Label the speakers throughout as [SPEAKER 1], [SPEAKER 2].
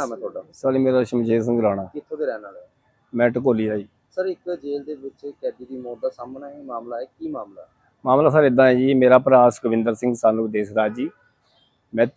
[SPEAKER 1] ਨਾਮ ਹੈ ਤੁਹਾਡਾ?
[SPEAKER 2] सर मेरा शमशेर सिंह राणा।
[SPEAKER 1] ਕਿੱਥੋਂ ਦੇ ਰਹਿਣ ਵਾਲੇ ਹੋ?
[SPEAKER 2] मैं ढकोली है जी।
[SPEAKER 1] ਸਰ ਇੱਕ ਜੇਲ੍ਹ ਦੇ ਵਿੱਚ ਕੈਦੀ ਦੀ ਮੌਤ ਦਾ ਸਾਹਮਣਾ ਹੈ ਮਾਮਲਾ ਹੈ, ਕੀ ਮਾਮਲਾ?
[SPEAKER 2] मामला सर इदा है जी, मेरा भरा सुखविंदर सिंह सानू देसराज जी, मैं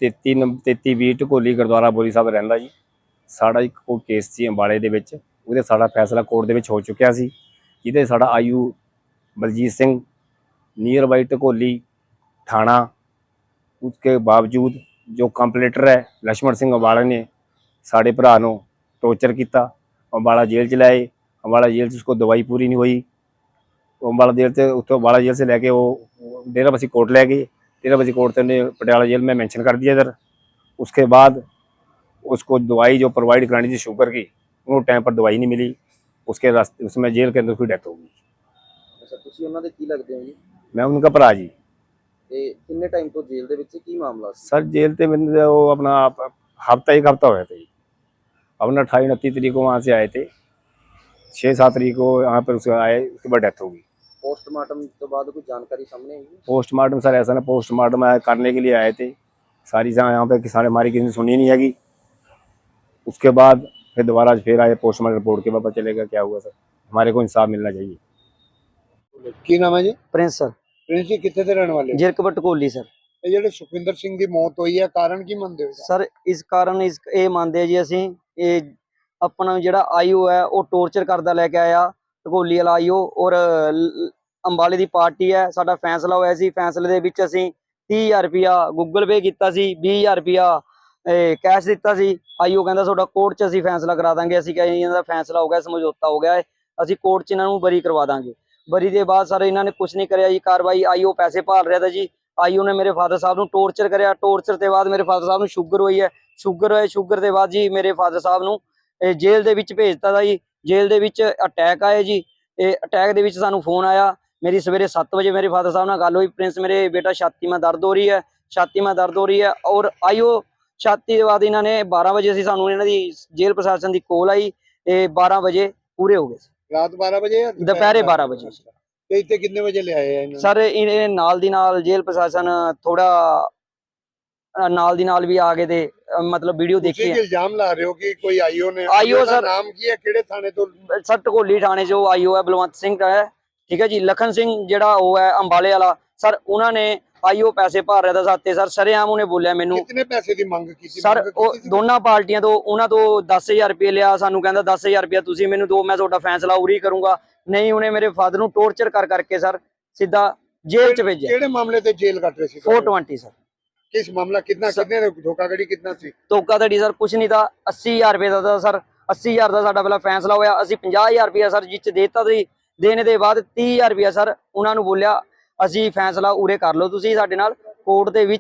[SPEAKER 2] 33 ढकोली गुरुद्वारा बोरी साहब रहिंदा जी। साड़ा एक कोई केस सी अंबाले दे विच, ਉਹਦੇ ਸਾਡਾ फैसला कोर्ट दे विच हो चुकिया सी, ਜਿਹਦੇ साड़ा आयु बलजीत सिंह नियर बाई ढकोली थाना, उसके बावजूद जो कंप्लेटर है लक्ष्मण सिंह अंबाला ने साढ़े भरा नूं टॉर्चर किया। अंबाला जेल च लाए, अंबाला जेल च उसको दवाई पूरी नहीं हुई, अंबाला जेल से उत्थों अंबाला जेल से लैके वो डेरा बसी कोर्ट लै गए। डेरा बसी कोर्ट ने पटियाला जेल में मेंशन कर दिया इधर। उसके बाद उसको दवाई जो प्रोवाइड करानी थी शुगर की, वो टाइम पर दवाई नहीं मिली, उसके रास्ते उसमें जेल के अंदर उसकी डेथ हो गई।
[SPEAKER 1] ਅੱਛਾ, ਤੁਸੀਂ ਉਹਨਾਂ ਦੇ ਕੀ ਲੱਗਦੇ ਹੋ ਜੀ?
[SPEAKER 2] मैं उनका भरा जी।
[SPEAKER 1] ਤੇ ਕਿੰਨੇ ਟਾਈਮ ਤੋਂ ਜੇਲ੍ਹ ਦੇ ਵਿੱਚ ਕੀ ਮਾਮਲਾ ਸੀ?
[SPEAKER 2] सर जेल से मैंने वो अपना एक हफ्ता हुआ था जी। अपना 28-29 तरीक को वहाँ से आए थे, 6-7 तरीक को यहाँ पर उसके आए, उसके बाद डेथ हो गई।
[SPEAKER 1] पोस्टमार्टम ਤੋਂ ਬਾਅਦ कोई जानकारी सामने आई?
[SPEAKER 2] पोस्टमार्टम सर ऐसा ना, पोस्टमार्टम करने के लिए आए थे सारी यहाँ पे, सारे हमारी किसी ने सुनी नहीं हैगी। उसके बाद फिर दोबारा फिर आए पोस्टमार्टम रिपोर्ट के, पता चलेगा क्या हुआ सर। हमारे को इंसाफ मिलना चाहिए।
[SPEAKER 3] ਕੀ ਨਾਮ ਹੈ ਜੀ?
[SPEAKER 4] ਪ੍ਰਿੰਸ ਸਰ,
[SPEAKER 3] ਪ੍ਰਿੰਸ ਜੀ ਕਿੱਥੇ ਦੇ ਰਹਿਣ ਵਾਲੇ ਹੋ?
[SPEAKER 4] ਜਿਰਕਪੁਰ ਢਕੋਲੀ ਸਰ।
[SPEAKER 3] ਇਹ ਜਿਹੜੇ ਸੁਖਵਿੰਦਰ ਸਿੰਘ ਦੀ ਮੌਤ ਹੋਈ ਹੈ, ਕਾਰਨ ਕੀ ਮੰਨਦੇ ਹੋ?
[SPEAKER 4] ਸਰ ਇਸ ਕਾਰਨ ਇਹ ਮੰਨਦੇ ਆ ਜੀ ਅਸੀਂ, ਇਹ ਆਪਣਾ ਜਿਹੜਾ ਆਈਓ ਹੈ ਉਹ ਟੌਰਚਰ ਕਰਦਾ ਲੈ ਕੇ ਆਇਆ, ਢਕੋਲੀ ਵਾਲਾ ਆਈਓ, ਔਰ ਅੰਬਾਲੇ ਦੀ ਪਾਰਟੀ ਹੈ। ਸਾਡਾ ਫੈਸਲਾ ਹੋਇਆ ਸੀ, ਫੈਸਲੇ ਦੇ ਵਿੱਚ ਅਸੀਂ 30,000 ਰੁਪਇਆ ਗੂਗਲ ਪੇ ਕੀਤਾ ਸੀ, 20,000 ਰੁਪਇਆ ਕੈਸ਼ ਦਿੱਤਾ ਸੀ। ਆਈਓ ਕਹਿੰਦਾ ਤੁਹਾਡਾ ਕੋਰਟ 'ਚ ਅਸੀਂ ਫੈਸਲਾ ਕਰਾ ਦਾਂਗੇ। ਅਸੀਂ ਕਹਿੰਦੇ ਇਹਨਾਂ ਦਾ ਫੈਸਲਾ ਹੋ ਗਿਆ, ਸਮਝੌਤਾ ਹੋ ਗਿਆ ਹੈ, ਅਸੀਂ ਕੋਰਟ 'ਚ ਇਹਨਾਂ ਨੂੰ ਬਰੀ ਕਰਵਾ ਦਾਂਗੇ। ਬਰੀ ਦੇ ਬਾਅਦ ਸਰ ਇਹਨਾਂ ਨੇ ਕੁਝ ਨਹੀਂ ਕਰਿਆ ਜੀ ਕਾਰਵਾਈ। ਆਈਓ ਪੈਸੇ ਭਾਲ ਰਿਹਾ ਤਾ ਜੀ। ਆਈਓ ਨੇ ਮੇਰੇ ਫਾਦਰ ਸਾਹਿਬ ਨੂੰ ਟੌਰਚਰ ਕਰਿਆ। ਟੌਰਚਰ ਦੇ ਬਾਅਦ ਮੇਰੇ ਫਾਦਰ ਸਾਹਿਬ ਨੂੰ ਸ਼ੂਗਰ ਹੋਈ ਹੈ। ਸ਼ੂਗਰ ਦੇ ਬਾਅਦ ਜੀ ਮੇਰੇ ਫਾਦਰ ਸਾਹਿਬ ਨੂੰ ਜੇਲ੍ਹ ਦੇ ਵਿੱਚ ਭੇਜਤਾ ਤਾ ਜੀ। ਜੇਲ੍ਹ ਦੇ ਵਿੱਚ ਅਟੈਕ ਆਏ ਜੀ। ਇਹ ਅਟੈਕ ਦੇ ਵਿੱਚ ਸਾਨੂੰ ਫੋਨ ਆਇਆ। ਮੇਰੀ ਸਵੇਰੇ 7 ਵਜੇ ਮੇਰੇ ਫਾਦਰ ਸਾਹਿਬ ਨਾਲ ਗੱਲ ਹੋਈ, ਪ੍ਰਿੰਸ ਮੇਰੇ ਬੇਟਾ ਛਾਤੀ में दर्द हो रही है, छाती में दर्द हो रही है। और आईओ छाती के बाद इन्होंने 12 वजे से सानू इन्हां दी जेल प्रशासन की कॉल आई, 12 वजे पूरे हो गए।
[SPEAKER 3] ਰਾਤ 12 ਵਜੇ ਜਾਂ
[SPEAKER 4] दोपहर 12 बजे
[SPEAKER 3] ਤੇ ਇੱਥੇ ਕਿੰਨੇ ਵਜੇ ਲਿਆਏ ਆ ਇਹਨਾਂ
[SPEAKER 4] सर इन्हें नाल दी नाल जेल प्रशासन थोड़ा नाल दी नाल भी आ गए थे, मतलब वीडियो देखी
[SPEAKER 3] ਤੁਸੀਂ
[SPEAKER 4] है।
[SPEAKER 3] ਇਲਜ਼ਾਮ ਲਾ ਰਹੇ ਹੋ ਕਿ ਕੋਈ ਆਈਓ ਨੇ?
[SPEAKER 4] आईओ
[SPEAKER 3] ਉਹਦਾ
[SPEAKER 4] सर
[SPEAKER 3] ਨਾਮ ਕੀ ਹੈ, ਕਿਹੜੇ ਥਾਣੇ ਤੋਂ?
[SPEAKER 4] सर ढकोली थाने जो आईओ है बलवंत सिंह का है, ठीक है जी। लखन सिंह जेड़ा वो है अंबाले वाला सर, उन्होंने आईओ पैसे भर रहा था साथे सर। सरेआम उन्हें बोलिया मैनू
[SPEAKER 3] ਕਿੰਨੇ ਪੈਸੇ ਦੀ ਮੰਗ ਕੀਤੀ?
[SPEAKER 4] सर दोनों पार्टियां तो उन्होंने तो 10,000 रुपये लिया, सानू कहंदा 10,000 रुपया तुसीं मैनू दो, मैं तुहाडा फैसला उरी करूंगा। नहीं, उन्हें मेरे फादर नू टॉर्चर कर करके सर सीधा जेल च भेजा।
[SPEAKER 3] ਕਿਹੜੇ ਮਾਮਲੇ ਤੇ ਜੇਲ੍ਹ ਕੱਟ ਰਹੇ ਸੀ?
[SPEAKER 4] 420 सर।
[SPEAKER 3] ਕਿਸ ਮਾਮਲਾ? ਕਿੰਨਾ ਕਿੰਨੇ ਧੋਖਾਧੜੀ ਕਿੰਨਾ ਸੀ?
[SPEAKER 4] धोखाधड़ी सर कुछ नहीं था, 80,000 रुपये का था सर। 80,000 का साडा पहला फैसला होया। असीं 50,000 रुपया सर जिच देता सी। देने के बाद 30,000 रुपया सर उन्होंने बोलिया असीं फैसला उरे कर लो तुसीं साडे नाल। कोर्ट दे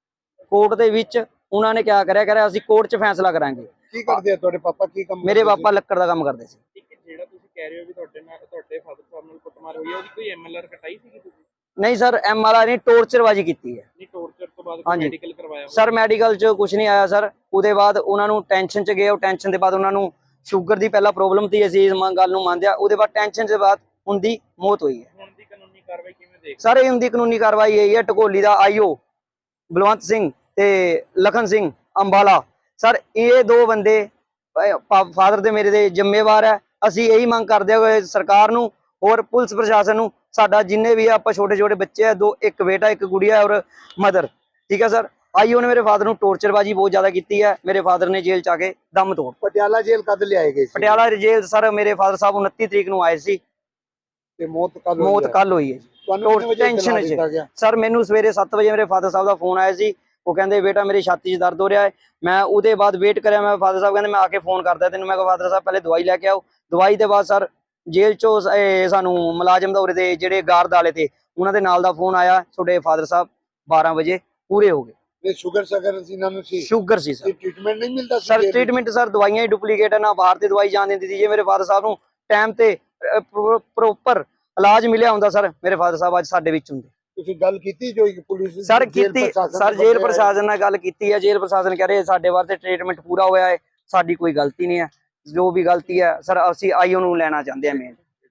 [SPEAKER 4] विच उन्होंने क्या करिया असीं कोर्ट च फैसला करांगे।
[SPEAKER 3] ਕੀ ਕਰਦੇ ਆ ਤੁਹਾਡੇ ਪਾਪਾ? ਕੀ ਕੰਮ
[SPEAKER 4] मेरे पापा लक्कड़ का काम करते सी।
[SPEAKER 1] ਜਿਹੜਾ ਤੁਸੀਂ ਕਹਿ ਰਹੇ ਹੋ ਵੀ ਤੁਹਾਡੇ ਫਾਦਰ ਸਾਹਿਬ ਨਾਲ ਕੁੱਟਮਾਰ ਹੋਈ ਹੈ, ਉਹਦੀ ਕੋਈ ਐਮਐਲਆਰ ਕਟਾਈ ਸੀ ਤੁਸੀਂ?
[SPEAKER 4] नहीं सर MRI ने टॉर्चरबाजी की है।
[SPEAKER 1] ਨਹੀਂ, ਟੌਰਚਰ ਤੋਂ ਬਾਅਦ
[SPEAKER 4] ਹਾਂਜੀ।
[SPEAKER 1] ਮੈਡੀਕਲ ਕਰਵਾਇਆ?
[SPEAKER 4] सर मैडिकल च कुछ नहीं आया सर। ਉਹਦੇ ਬਾਅਦ ਉਹਨਾਂ ਨੂੰ ਟੈਨਸ਼ਨ ਚ ਗਏ। ਉਹ ਟੈਨਸ਼ਨ ਦੇ ਬਾਅਦ ਉਹਨਾਂ ਨੂੰ ਸ਼ੂਗਰ ਦੀ ਪਹਿਲਾਂ ਪ੍ਰੋਬਲਮ ਸੀ, ਅਸੀਂ ਇਸ ਗੱਲ ਨੂੰ ਮੰਨਦੇ ਆ। ਉਹਦੇ ਬਾਅਦ ਟੈਨਸ਼ਨ ਦੇ ਬਾਅਦ ਉਹਦੀ ਮੌਤ ਹੋਈ ਹੈ।
[SPEAKER 1] ਹੁਣ ਦੀ ਕਾਨੂੰਨੀ ਕਾਰਵਾਈ ਕਿਵੇਂ ਦੇਖ?
[SPEAKER 4] ਸਰ ਇਹ ਹੁੰਦੀ ਕਾਨੂੰਨੀ ਕਾਰਵਾਈ ਇਹੀ ਹੈ, ਢਕੋਲੀ ਦਾ ਆਈਓ ਬਲਵੰਤ ਸਿੰਘ ਤੇ ਲਖਨ ਸਿੰਘ ਅੰਬਾਲਾ ਸਰ, ਇਹ ਦੋ ਬੰਦੇ ਫਾਦਰ ਦੇ ਮੇਰੇ ਦੇ ਜ਼ਿੰਮੇਵਾਰ ਹੈ। ਅਸੀਂ ਇਹੀ ਮੰਗ ਕਰਦੇ ਹੋਏ ਸਰਕਾਰ ਨੂੰ और पुलिस प्रशासन ਨੂੰ, ਸਾਡਾ ਜਿੰਨੇ ਵੀ ਆਪਾਂ ਛੋਟੇ ਛੋਟੇ ਬੱਚੇ ਆ, ਦੋ, ਇੱਕ ਬੇਟਾ ਇੱਕ ਗੁੜੀਆ ਔਰ ਮਦਰ, ਠੀਕ ਹੈ ਸਰ। ਆਈਓ ਨੇ ਮੇਰੇ ਫਾਦਰ ਨੂੰ ਟੌਰਚਰਬਾਜੀ ਬਹੁਤ ਜ਼ਿਆਦਾ ਕੀਤੀ ਹੈ। ਮੇਰੇ ਫਾਦਰ ਨੇ ਜੇਲ੍ਹ ਚ ਆ ਕੇ ਦਮ ਤੋੜ।
[SPEAKER 3] ਪਟਿਆਲਾ ਜੇਲ੍ਹ ਕਦ ਲਿਆਏ ਗਏ ਸੀ?
[SPEAKER 4] ਪਟਿਆਲਾ ਜੇਲ੍ਹ ਸਰ ਮੇਰੇ ਫਾਦਰ ਸਾਹਿਬ 29 ਤਰੀਕ ਨੂੰ ਆਏ ਸੀ
[SPEAKER 3] ਤੇ ਮੌਤ ਕੱਲ
[SPEAKER 4] ਹੋਈ ਹੈ।
[SPEAKER 3] ਤੁਹਾਨੂੰ ਕਿੰਨੇ ਵਜੇ
[SPEAKER 4] ਟੈਨਸ਼ਨ
[SPEAKER 3] ਦਿੱਤਾ ਗਿਆ?
[SPEAKER 4] ਸਰ ਮੈਨੂੰ ਸਵੇਰੇ 7 ਵਜੇ ਮੇਰੇ ਫਾਦਰ ਸਾਹਿਬ ਦਾ ਫੋਨ ਆਇਆ ਸੀ। ਉਹ ਕਹਿੰਦੇ ਬੇਟਾ ਮੇਰੀ ਛਾਤੀ 'ਚ ਦਰਦ ਹੋ ਰਿਹਾ ਹੈ। ਮੈਂ ਉਹਦੇ ਬਾਅਦ ਵੇਟ ਕਰਿਆ। ਮੈਂ ਫਾਦਰ ਸਾਹਿਬ ਕਹਿੰਦੇ ਮੈਂ ਆ ਕੇ ਫੋਨ ਕਰਦਾ ਤੈਨੂੰ। ਮੈਂ ਕਿਹਾ ਫਾਦਰ ਸਾਹਿਬ ਪਹਿਲੇ ਦਵਾਈ ਲੈ ਕੇ ਆਓ। ਦਵਾਈ ਦੇ ਬਾਅਦ ਸਰ ਜੇਲ੍ਹ ਚੋਂ ਸਾਨੂੰ ਮੁਲਾਜ਼ਮ ਦੌਰੇ ਦੇ ਜਿਹੜੇ ਗਾਰਡ ਵਾਲੇ ਤੇ ਉਹਨਾਂ ਦੇ ਨਾਲ ਦਾ ਫੋਨ ਆਇਆ, ਤੁਹਾਡੇ ਫਾਦਰ ਸਾਹਿਬ 12 ਵਜੇ ਪੂਰੇ ਹੋ ਗਏ।
[SPEAKER 3] ਸ਼ੂਗਰ ਸੀ ਇਹਨਾਂ ਨੂੰ?
[SPEAKER 4] ਸ਼ੂਗਰ ਸੀ ਸਰ।
[SPEAKER 3] ਟ੍ਰੀਟਮੈਂਟ ਨਹੀਂ ਮਿਲਦਾ ਸੀ?
[SPEAKER 4] ਸਰ ਟ੍ਰੀਟਮੈਂਟ ਸਰ ਦਵਾਈਆਂ ਹੀ ਡੁਪਲੀਕੇਟ ਹੈ, ਨਾ ਬਾਹਰ ਦੀ ਦਵਾਈ ਜਾਣ ਦਿੰਦੀ ਸੀ। ਜੇ ਮੇਰੇ ਫਾਦਰ ਸਾਹਿਬ ਨੂੰ ਟਾਈਮ ਤੇ ਪ੍ਰੋਪਰ ਇਲਾਜ ਮਿਲਿਆ ਹੁੰਦਾ ਸਰ, ਮੇਰੇ ਫਾਦਰ ਸਾਹਿਬ ਅੱਜ ਸਾਡੇ ਵਿੱਚ ਹੁੰਦੇ।
[SPEAKER 3] ਤੁਸੀਂ ਗੱਲ ਕੀਤੀ ਜੋ ਪੁਲਿਸ
[SPEAKER 4] ਸਰ ਕੀਤੀ ਸਰ, ਜੇਲ੍ਹ ਪ੍ਰਸ਼ਾਸਨ ਨਾਲ ਗੱਲ ਕੀਤੀ ਹੈ। ਜੇਲ੍ਹ ਪ੍ਰਸ਼ਾਸਨ ਕਹ ਰਹੇ ਸਾਡੇ ਵਾਸਤੇ ਟ੍ਰੀਟਮੈਂਟ ਪੂਰਾ ਹੋਇਆ ਹੈ, ਸਾਡੀ ਕੋਈ ਗਲਤੀ ਨਹੀਂ ਹੈ। ਜੋ ਵੀ ਗਲਤੀ ਹੈ ਸਰ ਅਸੀਂ ਆਈਓ ਨੂੰ ਲੈਣਾ ਚਾਹੁੰਦੇ ਹਾਂ ਮੇਨ।